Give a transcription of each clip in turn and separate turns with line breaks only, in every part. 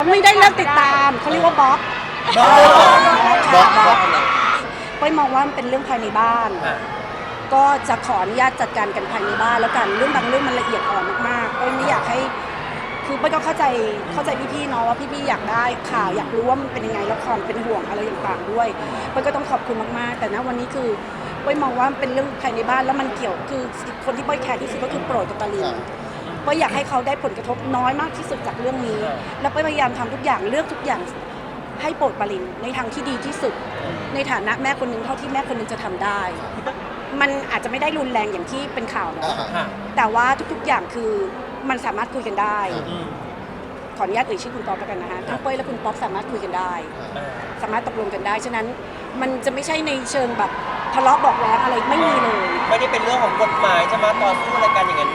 ไม่ได้เลิกติดตามเขาเรียกว่าบล็อกไปมองว่ามันเป็นเรื่องภายในบ้านก็จะขออนุญาตจัดการกันภายในบ้านแล้วกันเรื่องบางเรื่องมันละเอียดอ่อนมากๆก็ไม่อยากให้คือไปก็เข้าใจพี่ๆเนาะว่าพี่ๆอยากได้ข่าวอยากรู้ว่ามันเป็นยังไงแล้วความเป็นห่วงอะไรต่างๆด้วยไปก็ต้องขอบคุณมากๆแต่ณวันนี้คือไปมองว่ามันเป็นเรื่องภายในบ้านแล้วมันเกี่ยวคือคนที่ไปแคร์ที่สุดก็คือโปรดกับตาลินก็อยากให้เขาได้ผลกระทบน้อยมากที่สุดจากเรื่องนี้แล้วพยายามทำทุกอย่างเลือกทุกอย่างให้โปรดปรินในทางที่ดีที่สุดในฐานะแม่คนหนึ่งเท่าที่แม่คนหนึ่งจะทำได้มันอาจจะไม่ได้รุนแรงอย่างที่เป็นข่าวนะแต่ว่าทุกๆอย่างคือมันสามารถคุยกันได้ขออนุญาตเอ่ยชื่อคุณป๊อปแล้วกันนะคะทั้งเป้ยและคุณป๊อปสามารถคุยกันได้สามารถตกลงกันได้ฉะนั้นมันจะไม่ใช่ในเชิงแบบทะเลาะบอกแว้งอะไรไม่มีเลย
ไม่ได้เป็นเรื่องของกฎหมายจะมาต่อสู้อะไรกันอย่างนั้น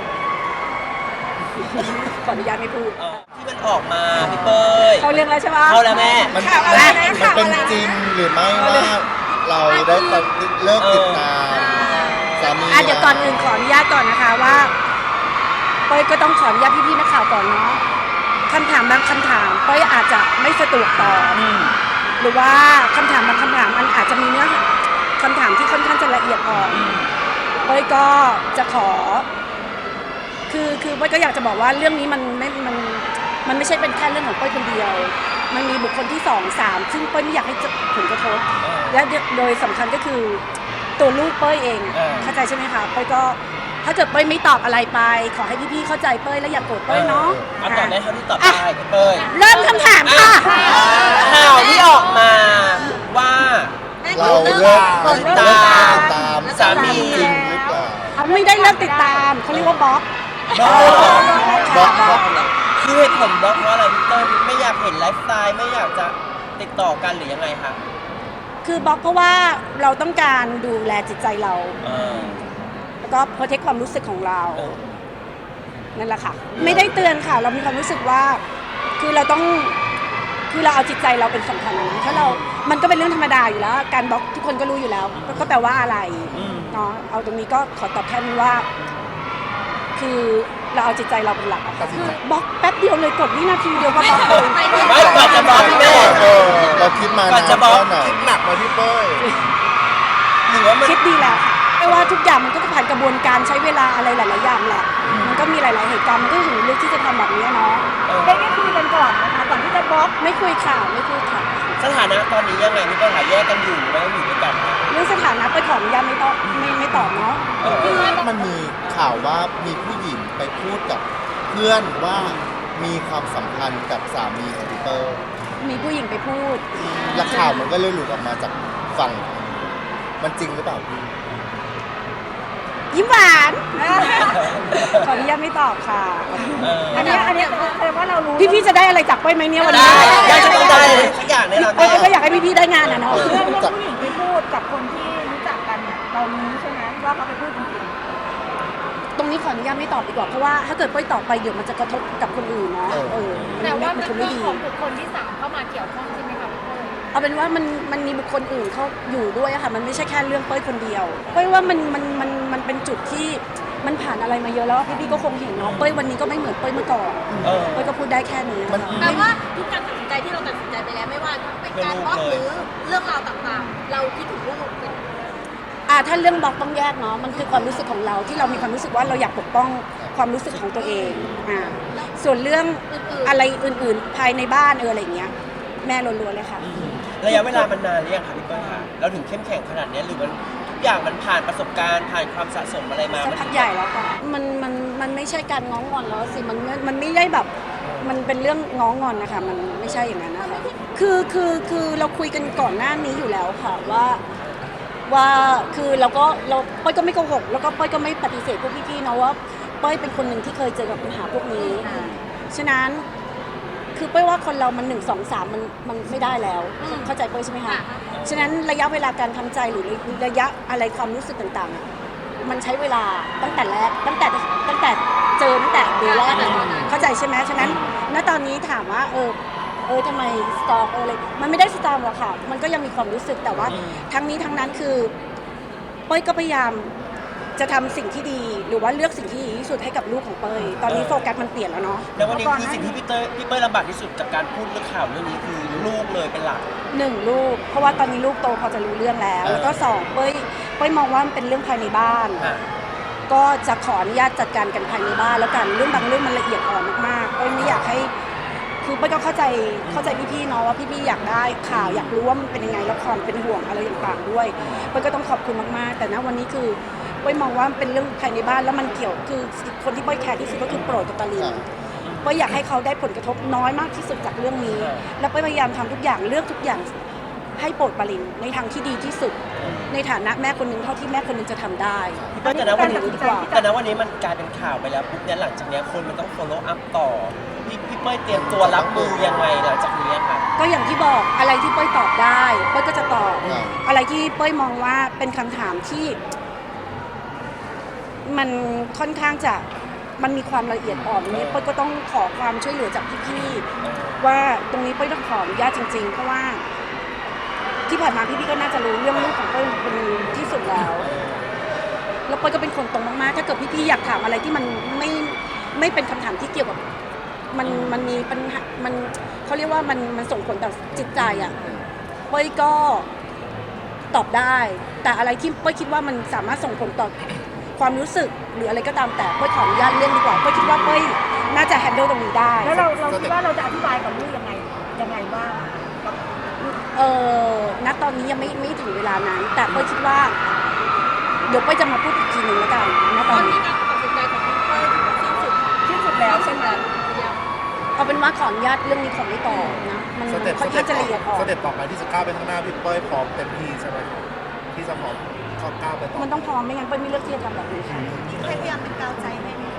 ขออนุญาตไม่พูด
ที่มันออกมาพี่เป้ย
เขาเรื่องแล้วใช่ไหม
เขาแล้วแม่
มันเป็นจริงหรือไม่ว่าเราได้เลิกติดตามสามี
เดี๋ยวก่อนอื่นขออนุญาตก่อนนะคะว่าเป้ยก็ต้องขออนุญาตพี่ๆนักข่าวก่อนเนาะคำถามบางคำถามเป้ยอาจจะไม่สะดวกตอบหรือว่าคำถามบางคำถามมันอาจจะมีเนื้อคำถามที่ค่อนข้างจะละเอียดอ่อนเป้ยก็จะขอคือเป้ยก็อยากจะบอกว่าเรื่องนี้มันไม่ใช่เป็นแค่เรื่องของเป้ยคนเดียวมันมีบุคคลที่2 3ซึ่งเป้ยไม่อยากให้ผลกระทบและโดยสำคัญก็คือตัวลูกเป้ยเองเข้าใจใช่ไหมคะเป้ยก็ถ้าเกิดเป้ยไม่ตอบอะไรไปขอให้พี่ๆเข้าใจเป้ยและอย่าโกรธเป้ยเนาะ
ตอบได้เท่าที่ตอบได้เป้ย
เริ่มคำถามค่ะ
ข่าวที่ออกมาว่า
เราเลิกติดตาม
สามี
จริงหรือเปล่า
ไม่ได้เลิกติดตามเขาเรียกว่าบล็อก
คือเหตุผลบล็อกเพราะอะไรพี่เต้ยไม่อยากเห็นไลฟ์สไตล์ไม่อยากจะติดต่อกันหรือยังไงคะ
คือบล็อกเพราะว่าเราต้องการดูแลจิตใจเราแล้วก็โปรเทคความรู้สึกของเรานั่นแหละค่ะไม่ได้เตือนค่ะเรามีความรู้สึกว่าคือเราเอาจิตใจเราเป็นสำคัญนะถ้าเรามันก็เป็นเรื่องธรรมดาอยู่แล้วการบล็อกทุกคนก็รู้อยู่แล้วก็แปลว่าอะไรเนาะเอาตรงนี้ก็ขอตอบแค่นี้ว่าคือเราเอาจิตใจเราเป็นหลักอะค่ะบล็อกแป๊บเดียวเลยกดวินาทีเดียวก็บล็อกเลย
ไม่ก่อนจะบล็อกพี่เป้
เราคิดมานานแค่ไหนคิดหนักมาพี่เป้ย
หรือว่ามัน
คิดดีแล้วค่ะไม่ว่าทุกอย่างมันก็จะผ่านกระบวนการใช้เวลาอะไรหลายๆอย่างแหละมันก็มีหลายๆเหตุการณ์มันก็ถึงเลือกที่จะทำแบบนี้เนาะได้คุยกันก่อนนะคะก่อนที่จะบล็อกไม่คุยค่ะ
สถานะตอนนี้ยังไงพี่เป้ยหาแยกกันอยู่หรือว่าอยู่ด้วยกัน
เรื่องสถานะไปขออนุญาตไม่ตอบเนาะ
มันมีข่าวว่ามีผู้หญิงไปพูดกับเพื่อนว่ามีความสัมพันธ์กับสามีของพี่เป้ย
มีผู้หญิงไปพูด
และข่าวมันก็เลยหลุดออกมาจากฝั่งมันจริงหรือเปล่าพี่
ยิ้มหวานขออนุญาตไม่ตอบค่ะอันนี้แปลว่าเรารู้พี่ๆจะได้อะไรจากเป้ยไหมเนี่ยวันนี้
ได้จะต้องได้สักอย่างแน่นอน
เป้ยก็อยากให้พี่ๆได้งานนะเนาะ
เรื่องผู้หญิงไปพูดกับคนที่รู้จักกันเนี่ยเรารู้ใช่ไหมว่าเขาไปพูดจริง
ตรงนี้ขออนุญาตไม่ตอบดีกว่าเพราะว่าถ้าเกิดเป้ยตอบไปเดี๋ยวมันจะกระทบกับคนอื่นเนาะ
แต่ว่ามันมีของบุคคลที่3เข้ามาเกี่ยวข้องใช่ไหมคะ
เอาเป็นว่ามันมีบุคคลอื่นเขาอยู่ด้วยอะค่ะมันไม่ใช่แค่เรื่องเป้ยคนเดียวเป้ยว่ามันเป็นจุดที่มันผ่านอะไรมาเยอะแล้วพี่ๆก็คงเห็นเนาะเป้ยวันนี้ก็ไม่เหมือนเป้ยเมื่อก่อนเป้ยก็พูดได้แค่นี้
แปลว่าทุกการตัดสินใจที่เราตัดสินใจไปแล้วไม่ว่าเป็นการบล็อกหรือเรื่องราวต่างๆเราคิดถึงลูก
ถ้าเรื่องบล็อกต้องแยกเนาะมันคือความรู้สึกของเราที่เรามีความรู้สึกว่าเราอยากปกป้องความรู้สึกของตัวเองส่วนเรื่องอะไรอื่นๆภายในบ้านอะไรอย่างเงี้ยแม่ล้วนๆเลยค่ะ
ระยะเวลามันนานหรือยังคะพี่เป้ยคะเราถึงเข้มแข็งขนาดนี้หรือมันทุกอย่างมันผ่านประสบการณ์ผ่านความสะสมอะไรมา
สักพักใหญ่แล้วค่ะมันไม่ใช่การง้องอนแล้วสิมันไม่ได้แบบมันเป็นเรื่องง้องอนนะคะมันไม่ใช่อย่างนั้นนะคะคือเราคุยกันก่อนหน้านี้อยู่แล้วค่ะว่าคือเราเป้ยก็ไม่โกหกแล้วก็เป้ยก็ไม่ปฏิเสธพวกพี่ๆเนาะว่าเป้ยเป็นคนหนึ่งที่เคยเจอกับปัญหาพวกนี้ฉะนั้นคือเป้ยว่าคนเรามัน1 2 3มันไม่ได้แล้วเข้าใจเป้ยใช่ไหมคะฉะนั้นระยะเวลาการทำใจหรือระยะอะไรความรู้สึกต่างๆมันใช้เวลาตั้งแต่แรกตั้งแต่เจอตั้งแต่เดือนแรกเข้าใจใช่ไหมฉะนั้นณตอนนี้ถามว่าทำไมสตอร์อะไรมันไม่ได้สตอร์หรอกค่ะมันก็ยังมีความรู้สึกแต่ว่าทั้งนี้ทั้งนั้นคือเป้ยก็พยายามจะทำสิ่งที่ดีหรือว่าเลือกสิ่งที่ดีที่สุดให้กับลูกของเป้ยตอนนี้โฟกัสมันเปลี่ยนแล้วเนาะ
แล้ววันนี้คือสิ่งที่พี่เป้ยลำบากที่สุดจากการพูดเรื่องข่าวเรื่องนี้คือลูกเลยเป็นหลัก
หนึ่งลูกเพราะว่าตอนนี้ลูกโตพอจะรู้เรื่องแล้วแล้วก็สองเป้ยมองว่ามันเป็นเรื่องภายในบ้าน ก็จะขออนุญาตจัดการกันภายในบ้านแล้วกันเรื่องบางเรื่องมันละเอียดอ่อนมากๆเป้ยไม่อยากให้คือเป้ยก็เข้าใจพี่ๆเนาะว่าพี่ๆอยากได้ข่าวอยากรู้ว่ามันเป็นยังไงแล้วความเป็นห่วงอะไรต่างๆด้วยเป้ยก็ต้องขอบคุณมากๆแต่ณวันนี้คือเป้ยมองว่ามันเป็นเรื่องภายในบ้านแล้วมันเกี่ยวคือคนที่เป้ยแคร์ที่สุดก็คือโปรดกับตาลินเป้ยอยากให้เขาได้ผลกระทบน้อยมากที่สุดจากเรื่องนี้ แล้วเป้ยพยายามทำทุกอย่างเลือกทุกอย่างให้โปรดปาลินในทางที่ดีที่สุดในฐานะแม่คนหนึ่งเท่าที่แม่คนหนึ่งจะทำได้
พี่เป้ยแต่ณวันนี้
ดีกว่า
แต่ณวันนี้มันกลายเป็นข่าวไปแล้วปุ๊บเนี่ยหลังจากเนี้ยคนมันต้อง follow up ต่อพี่เป้ยเตรียมตัวรับมือยังไงหลังจากนี้ครับ
ก็อย่างที่บอกอะไรที่เป้ยตอบได้เป้ยก็จะตอบ
ครับ
อะไรที่เป้ยมองว่าเป็นคำถามที่ มันค่อนข้างจะมันมีความละเอียดอ่อนนี้เป้ยก็ต้องขอความช่วยเหลือจากพี่ๆว่าตรงนี้เป้ยต้องขออนุญาตจริงๆเพราะว่าที่ผ่านมาพี่ๆก็น่าจะรู้เรื่องลูกของเป้ยเป็นที่สุดแล้วแล้วเป้ยก็เป็นคนตรงมากๆถ้าเกิดพี่ๆอยากถามอะไรที่มันไม่เป็นคำถามที่เกี่ยวกับมันมีปัญหามันเขาเรียกว่ามันส่งผลต่อจิตใจอ่ะเป้ยก็ตอบได้ แต่อะไรที่เป้ยคิดว่ามันสามารถส่งผลต่อความรู้สึกหรืออะไรก็ตามแต่เป้ยขออนุญาตเลี่ยงดีกว่าเป้ยคิดว่าเป้ยน่าจะแฮนเดิลตรงนี้ได้
แล้วเราคิดว่าเราจะอธิบายกับลูกยังไงบ้าง
ณตอนนี้ยังไม่ถึงเวลานั้น แต่เป้ยคิดว่าเดี๋ยวเป้ยจะมาพูดอีกทีหนึ่งแล้วกันณ
ต
ต
อ
อน น
นี้
นี้
การตัดสินใจของพี่เป้ยถือว่าสิ้นสุด
ที่สุดแล้วใช่ไหม
เอาเป็นว่าขออนุญาตเรื่องนี้ขอไม่ต่อนะมัน
สเต็ป
ค่อนข้างจะละเอียดอ่อน
สเต็ปต่อไปที่จะก้าวไปข้างหน้าพี่เป้ยพร้อมเต็มที่ใช่ไหมครับที่จะพร้อมเข้าก้าวไปต่อ
มันต้องพร้อมไม่งั้นเป้ยไม่เลือกที่จะทำแบบนี้ค่ะ
พยายามเป็นกาวใจให้ไหม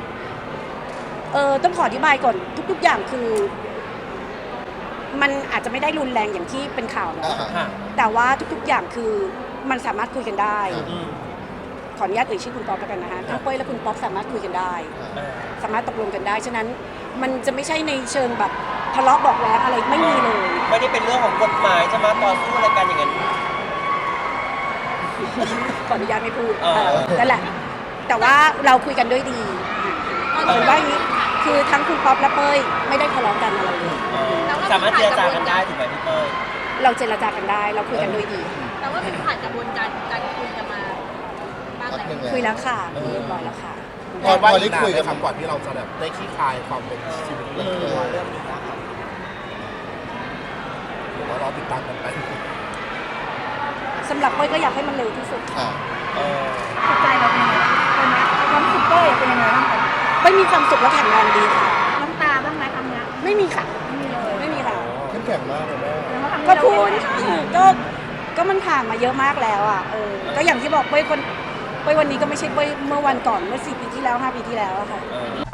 ต้องขออธิบายก่อนทุกๆอย่างคือ มันอาจจะไม่ได้รุนแรงอย่างที่เป็นข่าวเนอะ
ค่ะ
แต่ว่าทุกๆอย่างคือมันสามารถคุยกันได้
อืม
ขออนุญาตเอ่ยชื่อคุณป๊อปแล้วกันนะคะทั้งเป้ยและคุณป๊อปสามารถคุยกันได้ สามารถตกลงกันได้ ฉะนั้นมันจะไม่ใช่ในเชิงแบบทะเลาะเบอกแว้งอะไรไม่มีเลย
ไม่ได้เป็นเรื่องของกฎหมายจะมาต่อสู้อะไรกันอย่างนั้น
ขออนุญาตไม่พูด
เออ
นั่นแหละ แต่ว่าเราคุยกันด้วยดีเห็นว่าอย่างนี้คือทั้งคุณป๊อปและเป้ยไม่ได้ทะเลาะกันอะไรเลย
สามารถเจรจากันได้ถูกไหมพี่เป้ย
เราเจรจากันได้เราคุยกันด้วยดี
แต่ว่าเป็นผ่านกระบวนการคุยกันมาบ้าง
พักหนึ่ง
แล้ว
แล้ว
คุยแล้วค่ะคุยเรียบร้อยแล้วค่ะ
พอ
ว่า
ได้
อีกนาน
คุย
ไหม
กัน
ครับก่อนที่เราจะแบบได้ขี้คายความเป็นชีวิตเรื่องนี้นะครับเดี๋ยวเรารอติดตามกันไป
สำหรับเป้ยก็อยากให้มันเร็วที่สุด
ค่ะ
จิตใจเราเป็นยังไงบ้างเป็นไหมความรู้สึกเป้ยเป็นยังไงบ้างคะ
เป้ยมีความสุขและแข็งแรงดีค่ะ
น้ำตาบ้างไหมคำนี้
ไม่มีค่ะ
ไม่มีเลย
ไม่มีค่ะ
เข้มแข็งมากเลยแม่
แล้วว่าคำนี้
ก็
เรา
พูด
เป็นยังไง
ก็มันผ่านมาเยอะมากแล้วอ่ะก็อย่างที่บอกเป้ยวันนี้ก็ไม่ใช่เป้ยเมื่อวันก่อนเมื่อ4 ปีที่แล้ว5 ปีที่แล้วอะค่ะ
เออ